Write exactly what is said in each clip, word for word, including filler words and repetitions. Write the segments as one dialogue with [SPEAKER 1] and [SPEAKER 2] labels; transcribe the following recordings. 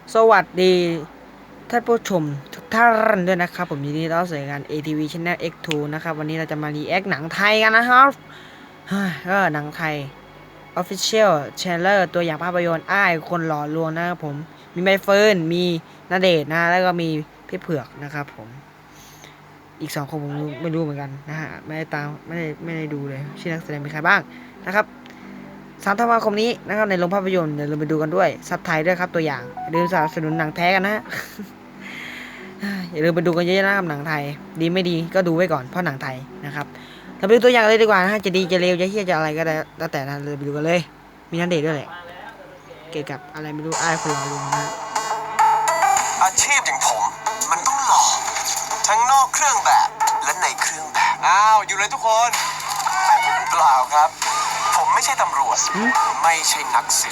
[SPEAKER 1] สวัสดีท่านผู้ชมทุกท่านด้วยนะครับผมยินดีต้อนรับสู่รายการ เอ ที วี Channel เอ็กซ์ ทู นะครับวันนี้เราจะมารีแอคหนังไทยกันนะครับก็หนังไทย Official Trailer ตัวอย่างภาพยนตร์อ้ายคนหล่อลวงนะครับผมมีใบเฟิร์นมีณเดชน์นะแล้วก็มีพี่เผือกนะครับผมอีกสองคนผมไม่รู้เหมือนกันนะฮะไม่ได้ตามไม่ได้ไม่ได้ดูเลยชื่อนักแสดงเป็นใครบ้างนะครับสามธันวาคมนี้นะครับในโรงภาพยนตร์เดี๋ยวเราไปดูกันด้วยซับไทยด้วยครับตัวอย่างอย่าลืมสนับสนุนหนังแท้กันนะ อย่าลืมไปดูกันเยอะๆนะครับหนังไทยดีไม่ดีก็ดูไว้ก่อนเพราะหนังไทยนะครับเราไปดูตัวอย่างเลยดีกว่านะฮะจะดีจะเลวจะเฮี้ยจะอะไรก็ได้แล้วแต่นะเลยไปดูกันเลยมีนันเดชด้วยแหละเกี่ยวกับอะไรไม่รู้อ้ายคนเราลุงนะ
[SPEAKER 2] อาชีพอย่างผมมันต้องหล่อทั้งนอกเครื่องแบบและในเครื่องแบบอ้าวอยู่เลยทุกคนเปล่าครับผมไม่ใช่ตำรวจไม่ใช่นักสืบ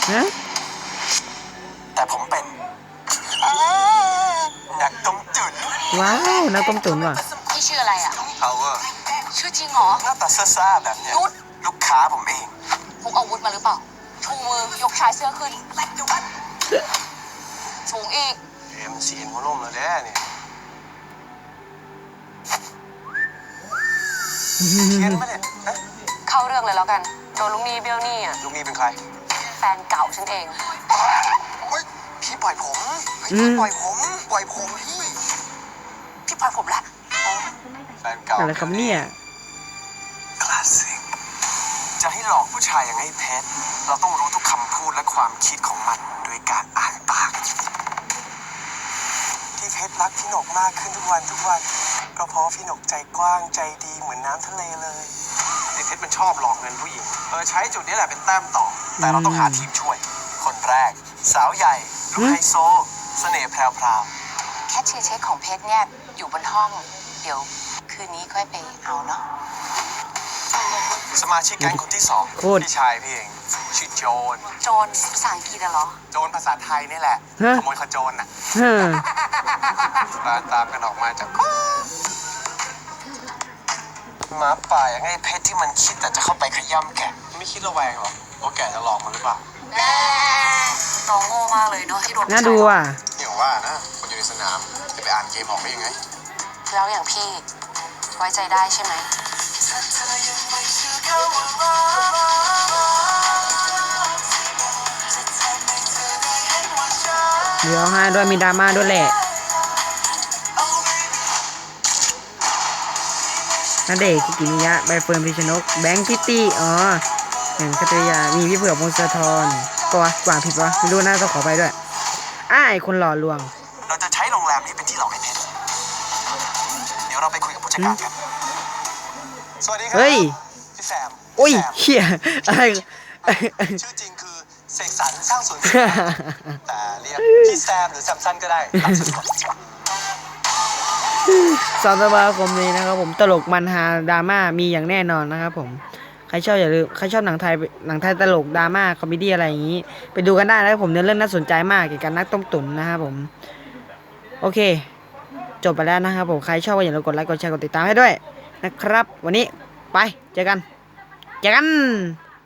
[SPEAKER 2] แต่ผมเป็นนักต้มตุ๋น
[SPEAKER 1] ว้าวนักต้มตุ๋นว่ะ
[SPEAKER 3] พี่ชื่ออะไรอ่ะ
[SPEAKER 2] power
[SPEAKER 3] ชื่อจริงเหรอ
[SPEAKER 2] หน้าตาซ่าๆแบบเนี้ยลูกค้าผมเอง
[SPEAKER 3] พกอาวุธมาหรือเปล่าชูมือยกชายเสื้อขึ้นสูงอีก
[SPEAKER 2] เอ็มซีนหัวลมแล้วแน่เนี่ยเขียนมาเนี่ย
[SPEAKER 3] เข้าเรื่องเลยแล้วกันโดนลุงนี่เบลนี่อ่ะ
[SPEAKER 2] ลุงนี่เป็นใคร
[SPEAKER 3] แฟนเก่าฉันเอง
[SPEAKER 2] พี่ปล่อยผมพี่ปล่อยผมปล่อยผมพี่
[SPEAKER 3] พี่ปล่อยผมละ
[SPEAKER 2] แฟนเก่า
[SPEAKER 1] อะไรครับเนี่ย
[SPEAKER 2] คลาสสิกจะให้หลอกผู้ชายอย่างไอ้เพชรเราต้องรู้ทุกคำพูดและความคิดของมันโดยการอ่านปากที่เพชรรักพี่หนกมากขึ้นทุกวันทุกวันก็เพราะพี่หนกใจกว้างใจดีเหมือนน้ำทะเลเลยไอ้เพชรมันชอบหลอกเงินผู้หญิงเออใช้จุดนี้แหละเป็นแต้มต่อแต่เราต้องหาทีมช่วยคนแรกสาวใหญ่ลูกไฮโซเสน่ห์แพรว
[SPEAKER 3] ๆแค่เช็คเช็คของเพชรเนี่ยอยู่บนห้องเดี๋ยวคืนนี้ค่อยไปเอาเนาะ
[SPEAKER 2] สมาชิกแก๊งคนที่สองพี่ชายพี่เองชื่อโจน
[SPEAKER 3] โจนภาษาอังกฤษเหรอ
[SPEAKER 2] โจนภาษาไทยนี่แหละขโมยขโจรน่ะตามตามกันออกมาจากหมาป่าอย่างไอ้เพชรที่มันคิดแต่จะเข้าไปขย้ำแกะไม่คิดระแวงหรอว่าแกจะหลอกมันหรือเปล่า
[SPEAKER 3] น้องโง่มากเลยเนาะที่โดน
[SPEAKER 1] น่าดูอ่ะ
[SPEAKER 2] เดี๋ยวว่านะคนอยู่ในสนามจะไปอ่านเกมออกได้ยังไง
[SPEAKER 3] แล้วอย่างพี่ไว้ใจได้ใช่ไหม
[SPEAKER 1] เดี๋ยวให้ด้วยมีดราม่าด้วยแหละณเดชน์ คุกิมิยะใบเฟิร์น พิชนกแบงค์พิตตี้อ๋อหนึ่งคัตยามีพี่เผือกพงศธรก็วะกว่าผิดวะไม่รู้น่าต้องขอไปด้วยอ้ายคนหล่อลวง
[SPEAKER 2] เราจะใช้โรงแรมนี้เป็นที่หลอกไอ้เพชรเดี๋ยวเราไปคุยกับผู้จัดการกันสวัสดีครับ
[SPEAKER 1] เฮ้ย
[SPEAKER 2] พี่แซม
[SPEAKER 1] โอ้ยเฮียอะไร
[SPEAKER 2] ชื่อจริงคือเสกสรรสร้างสวนแต่เรียกพี่แซมหรือแซมสันก็ได้ตามสะดวก
[SPEAKER 1] สองธันวาคมนี้นะครับผมตลกมันฮาดราม่ามีอย่างแน่นอนนะครับผมใครชอบอย่าลืมใครชอบหนังไทยหนังไทยตลกดราม่าคอมเมดี้อะไรอย่างนี้ไปดูกันได้นะครับผมเนื้อเรื่องน่าสนใจมากเกี่ยวกับนักต้มตุ๋นนะครับผมโอเคจบไปแล้วนะครับผมใครชอบก็อย่าลืมกดไลค์กดแชร์กดติดตามให้ด้วยนะครับวันนี้ไปเจอกันเจอกัน